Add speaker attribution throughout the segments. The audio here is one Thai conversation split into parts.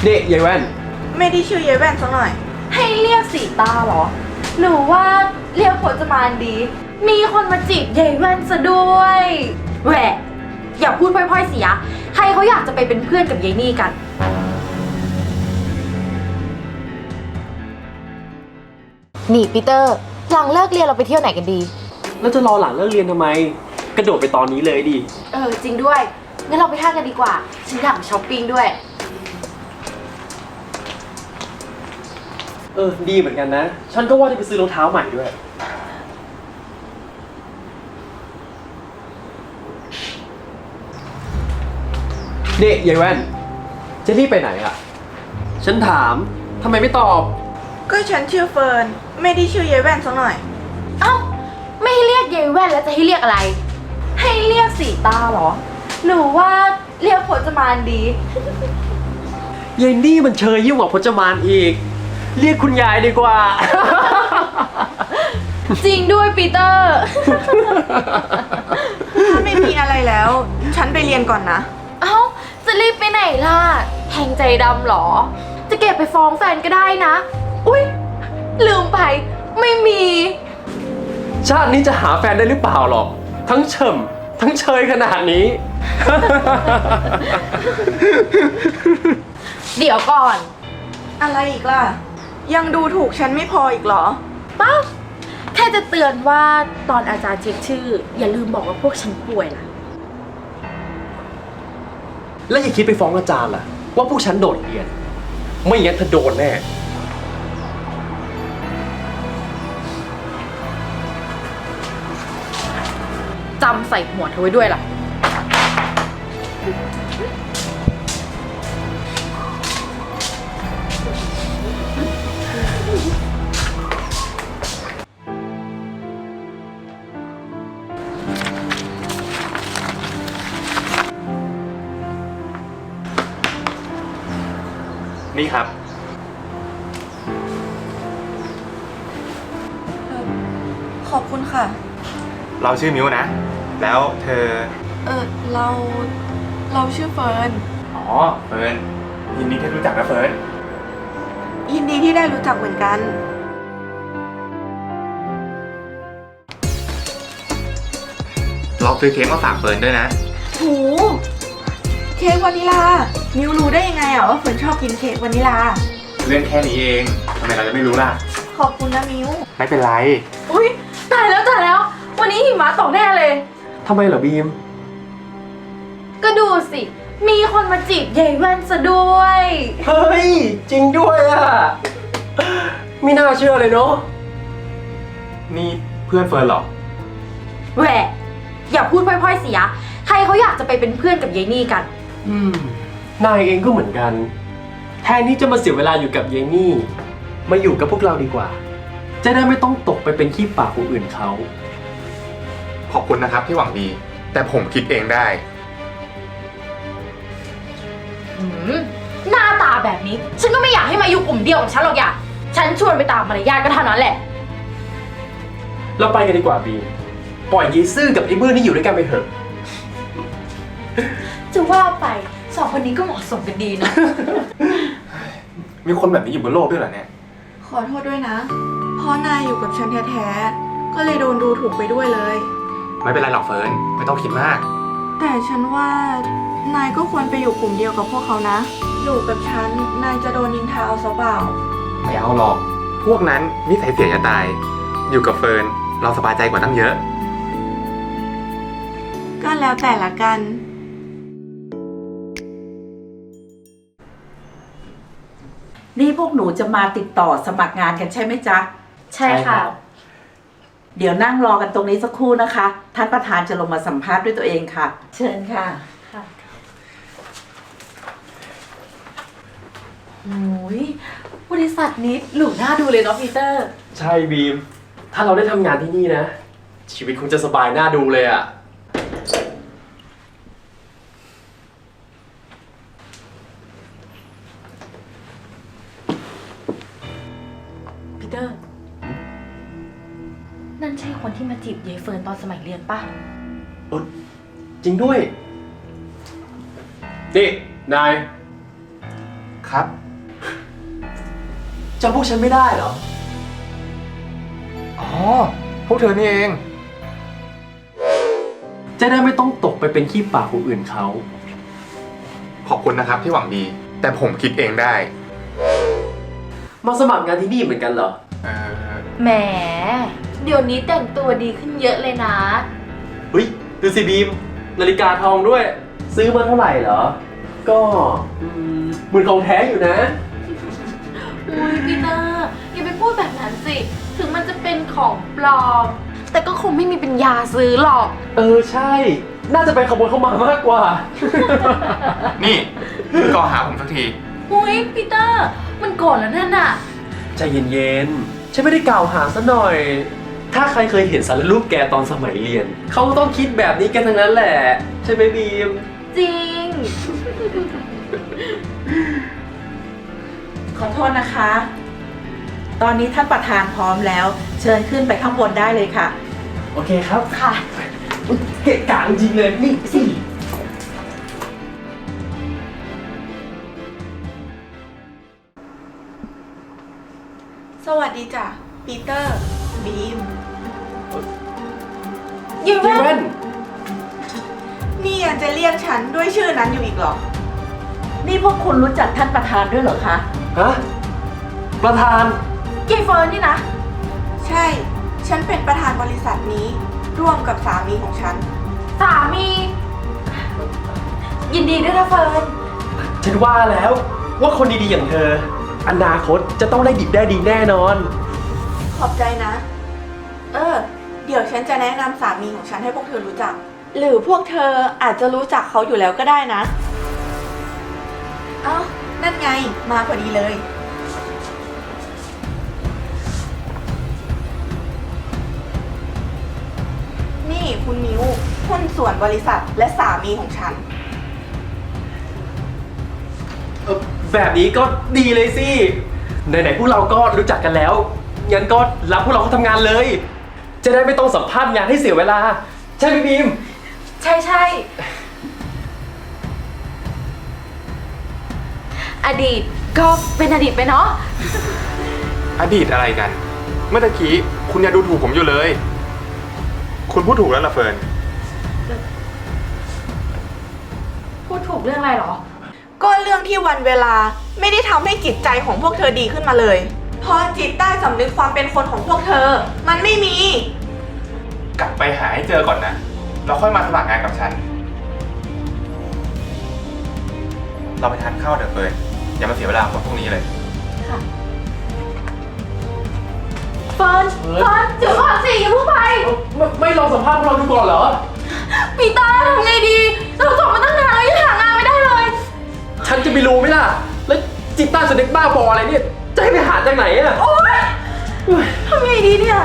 Speaker 1: นี่ยายแว่น
Speaker 2: ไม่ได้ชื่อยายแว่นสักหน่อย
Speaker 3: ให้เรียกสีตาเหรอหรือว่าเรียกพจมานดีมีคนมาจีบยายแว่นซะด้วยแหวะอย่าพูดพล่อยๆเสียใครเขาอยากจะไปเป็นเพื่อนกับยายนี่กันนี่ปีเตอร์หลังเลิกเรียนเราไปเที่ยวไหนกันดี
Speaker 1: แล้วจะรอหลังเลิกเรียนทำไมกระโดดไปตอนนี้เลยดิ
Speaker 3: จริงด้วยงั้นเราไปห้างกันดีกว่าฉันอยากช้อปปิ้งด้วย
Speaker 1: ดีเหมือนกันนะฉันก็ว่าจะไปซื้อรองเท้าใหม่ด้วยนี่ยายแว่นจะรีบไปไหนอ่ะฉันถามทำไมไม่ตอบ
Speaker 2: ก็ฉันชื่อเฟิร์นไม่ได้ชื่อยายแว่นสักหน่อย
Speaker 3: เอ้าไม่ให้เรียกยายแว่นแล้วจะให้เรียกอะไรให้เรียกสีตาเหรอหรือว่าเรียกพจมานดี
Speaker 1: ยายนี่มันเชยยิ่งกว่าพจมานอีกเรียกคุณยายดีกว่า
Speaker 3: จริงด้วยปีเตอร์
Speaker 2: ถ้าไม่มีอะไรแล้วฉันไปเรียนก่อนนะ
Speaker 3: เอ้าจะรีบไปไหนล่ะแทงใจดำหรอจะเก็บไปฟ้องแฟนก็ได้นะอุ๊ยลืมไปไม่มี
Speaker 1: ชาตินี้จะหาแฟนได้หรือเปล่าหรอกทั้งเฉิมทั้งเชยขนาดนี้
Speaker 3: เดี๋ยวก่อน
Speaker 2: อะไรอีกล่ะยังดูถูกฉันไม่พออีกเหรอ
Speaker 3: ป้าแค่จะเตือนว่าตอนอาจารย์เช็คชื่ออย่าลืมบอกว่าพวกฉันป่วยนะ
Speaker 1: แล้วอย่าคิดไปฟ้องอาจารย์ล่ะว่าพวกฉันโดดเรียนไม่งั้นเธอโดนแน่
Speaker 3: จำใส่หัวเธอไว้ด้วยล่ะ
Speaker 4: นี่ครับ
Speaker 2: ขอบคุณค่ะ
Speaker 4: เราชื่อมิวนะ แล้วเธอ
Speaker 2: เราชื่อเฟิร์น
Speaker 4: อ๋อเฟิร์นยินดีที่รู้จักนะเฟิร์น
Speaker 2: ยินดีที่ได้รู้จักเหมือนกัน
Speaker 4: เราซื้อเค้กมาฝากเฟิร์นด้วยนะ
Speaker 2: หูเค้กวานิลามิวรู้ได้ยังไงอ่ะว่าเฟิร์นชอบกินเค้กวานิลา
Speaker 4: เรื่องแค่นี้เองทำไมเราจะไม่รู้ล่ะ
Speaker 2: ขอบคุณนะมิว
Speaker 4: ไม่เป็นไร
Speaker 3: อุ๊ยตายแล้ววันนี้หิมะตกแน่เลย
Speaker 1: ทำไมเหรอบีม
Speaker 3: ก็ดูสิมีคนมาจีบยายแว่นซะด้วย
Speaker 1: เฮ้ยจริงด้วยอ่ะไม่น่าเชื่อเลยเนาะ
Speaker 4: นี่เพื่อนเฟิร์นเหรอ
Speaker 3: แหวะอย่าพูดพล่อยๆเสียใครเขาอยากจะไปเป็นเพื่อนกับยายนี่กัน
Speaker 1: นายเองก็เหมือนกันแทนที่จะมาเสียเวลาอยู่กับยายนี่มาอยู่กับพวกเราดีกว่าจะได้ไม่ต้องตกไปเป็นขี้ปากคนอื่นเขา
Speaker 4: ขอบคุณนะครับที่หวังดีแต่ผมคิดเองได้
Speaker 3: หน้าตาแบบนี้ฉันก็ไม่อยากให้มาอยู่กลุ่มเดียวกับฉันหรอกอย่าฉันชวนไปตามมารยาทก็เท่านั้นแหละ
Speaker 1: เราไปกันดีกว่าบีปล่อยยีซื่อกับไอ้บื้อนี่อยู่ด้วยกันไปเถอะ
Speaker 3: จะว่าไปสองคนนี้ก็เหมาะสมกันดีนะ
Speaker 4: มีคนแบบนี้อยู่บนโลกด้วยเหรอเนี่ย
Speaker 2: ขอโทษด้วยนะเพราะนายอยู่กับฉันแท้ๆก็เลยโดนดูถูกไปด้วยเลย
Speaker 4: ไม่เป็นไรหรอกเฟิร์นไม่ต้องคิดมาก
Speaker 2: แต่ฉันว่านายก็ควรไปอยู่กลุ่มเดียวกับพวกเขานะอยู่กับฉันนายจะโดนนินทาเอาซะเปล่า
Speaker 4: ไม่เอาหรอกพวกนั้นนิสัยเสียจะตายอยู่กับเฟิร์นเราสบายใจกว่าตั้งเยอะ
Speaker 2: ก็แล้วแต่ละกัน
Speaker 5: นี่พวกหนูจะมาติดต่อสมัครงานกันใช่ไหมจ๊ะ
Speaker 3: ใช่ค่ะ
Speaker 5: เดี๋ยวนั่งรอกันตรงนี้สักครู่นะคะท่านประธานจะลงมาสัมภาษณ์ด้วยตัวเองค่ะเชิญค่ะ
Speaker 3: โอ้ยบริษัทนี้หรูน่าดูเลยเนาะปีเตอร์
Speaker 1: ใช่บีมถ้าเราได้ทำงานที่นี่นะชีวิตคงจะสบายน่าดูเลยอ่ะ
Speaker 3: ปีเตอร์นั่นใช่คนที่มาจีบยายเฟิร์นตอนสมัยเรียนป่ะ
Speaker 1: จริงด้วยนี่นาย
Speaker 4: ครับ
Speaker 1: จำพวกฉันไม่ได้เหรอ
Speaker 4: อ๋อ พวกเธอนี่เอง
Speaker 1: จะได้ไม่ต้องตกไปเป็นขี้ปากคนอื่นเขา
Speaker 4: ขอบคุณนะครับที่หวังดี แต่ผมคิดเองได้
Speaker 1: มาสมัครงานที่นี่เหมือนกันเหรอ
Speaker 4: เออ
Speaker 3: แหม เดี๋ยวนี้แต่งตัวดีขึ้นเยอะเลยนะ
Speaker 1: เฮ้ย ดูสิบีม นาฬิกาทองด้วย ซื้อมาเท่าไหร่เหรอ ก็หมื่นของแท้อยู่นะ
Speaker 3: อุ้ยพี่เตอร์อย่าไปพูดแบบนั้นสิ ถึงมันจะเป็นของปลอม แต่ก็คงไม่มีปัญญาซื้อหรอก
Speaker 1: ใช่ น่าจะไปขโมยเข้ามามากกว่า
Speaker 4: นี่ก่อหาผมสักที
Speaker 3: อุ้ยพี่เตอร์มันโกรธแล้วนั่นน่ะ
Speaker 1: ใจเย็นๆ ฉันไม่ได้กล่าวหาซะหน่อย ถ้าใครเคยเห็นสารรูปแกตอนสมัยเรียน เขาก็ต้องคิดแบบนี้กันทั้งนั้นแหละ ใช่ไหมบีม
Speaker 3: จริง
Speaker 5: ขอโทษนะคะ ตอนนี้ท่านประธานพร้อมแล้ว เชิญขึ้นไปข้างบนได้เลยค่ะ
Speaker 1: โอเคครับ
Speaker 3: ค่ะ
Speaker 1: เกะกะจริงเลย นี่สิ
Speaker 2: สวัสดีจ้ะปีเตอร์ บีม
Speaker 3: เย้
Speaker 1: เยเว่น
Speaker 2: นี่ยังจะเรียกฉันด้วยชื่อนั้นอยู่อีกเหรอ
Speaker 5: นี่พวกคุณรู้จักท่านประธานด้วยเหรอคะ
Speaker 1: ฮะ ประธาน
Speaker 3: เย้เฟิร์นนี่นะ
Speaker 2: ใช่ ฉันเป็นประธานบริษัทนี้ ร่วมกับสามีของฉัน
Speaker 3: สามี ยินดีด้วยนะเฟิร์น
Speaker 1: ฉันว่าแล้วว่าคนดีๆอย่างเธอ อนาคตจะต้องได้ดิบได้ดีแน่นอน
Speaker 2: ขอบใจนะ เดี๋ยวฉันจะแนะนำสามีของฉันให้พวกเธอรู้จัก หรือพวกเธออาจจะรู้จักเขาอยู่แล้วก็ได้นะ เอ้า นั่นไง มาพอดีเลย นี่คุณมิวหุ้นส่วนบริษัทและสามีของฉัน
Speaker 1: แบบนี้ก็ดีเลยสิ ไหนๆพวกเราก็รู้จักกันแล้ว งั้นก็รับพวกเราเข้าทำงานเลย จะได้ไม่ต้องสัมภาษณ์งานให้เสียเวลา ใช่ไหมบีม
Speaker 3: ใช่ใช่ อดีตก็เป็นอดีตไปเนาะ
Speaker 4: อดีตอะไรกัน เมื่อตะกี้คุณยังดูถูกผมอยู่เลย คุณพูดถูกแล้วล่ะเฟิร์น
Speaker 3: พูดถูกเรื่องอะไรเหรอ
Speaker 2: ก็เรื่องที่วันเวลาไม่ได้ทำให้จิตใจของพวกเธอดีขึ้นมาเลย เพราะจิตใต้สำนึกความเป็นคนของพวกเธอ มันไม่มี
Speaker 4: กลับไปหาให้เจอก่อนนะ เราค่อยมาสมัครงานกับฉัน เราไปทานข้าวเถอะเฟิร์นอย่ามาเสียเวลากับพวกนี้เลย
Speaker 3: เฟิร์นเดี๋ยวก่อนสิอย่าเพิ่งไป
Speaker 1: ไม่ลองสัมภาษณ์พวกเราดูก่อนเหรอ
Speaker 3: ปีเตอร์ทำไงดี เราจบมาตั้งนานแล้วยังหางานไม่ได้เลย
Speaker 1: ฉันจะไปรู้ไหมล่ะ แล้วจิตใต้สำนึกบ้าบออะไรเนี่ย จะให้ไปหาจากไหนอะ
Speaker 3: โอ๊ยทำไงดีเนี่ย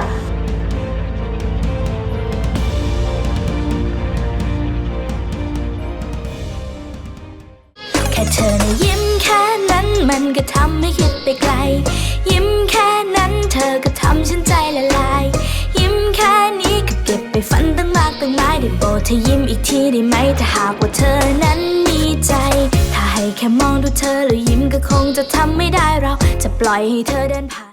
Speaker 6: แค่เธอนะยิ้มแค่นั้นมันก็ทำให้คิดไปไกล ยิ้มแค่นั้นเธอก็ทำฉันใจละลาย ยิ้มแค่นี้ก็เก็บไปฝันตั้งมากตั้งหลายได้โปรดเธอยิ้มอีกทีได้ไหมถ้าหากว่าเธอนั้นมีใจ ถ้าให้แค่มองดูเธอแล้วยิ้มก็คงจะทำไม่ได้เราจะปล่อยให้เธอเดินผ่าน